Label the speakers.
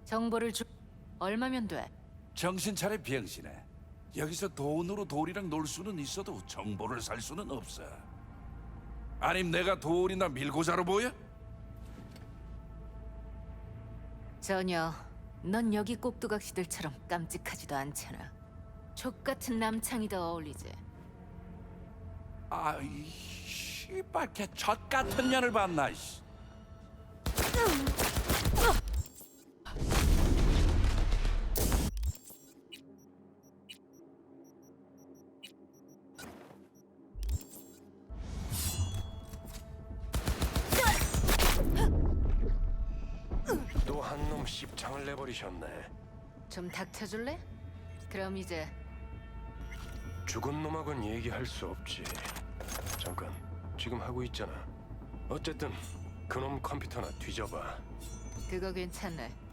Speaker 1: 정보를 주... 얼마면 돼?
Speaker 2: 정신 차려 병신아. 여기서 돈으로 돌이랑 놀 수는 있어도 정보를 살 수는 없어. 아님 내가 돌이나 밀고 자로 보여?
Speaker 1: 전혀. 넌 여기 꼭두각시들처럼 깜찍하지도 않잖아. 족같은 남창이 더 어울리지.
Speaker 2: 아이 씨발 걔 젖같은 년을 봤나 씨.
Speaker 3: 또 한 놈 씹창을 내버리셨네.
Speaker 1: 좀 닥쳐줄래? 그럼 이제
Speaker 3: 죽은 놈하고는 얘기할 수 없지. 잠깐, 지금 하고 있잖아. 어쨌든 그놈 컴퓨터나 뒤져봐.
Speaker 1: 그거 괜찮네.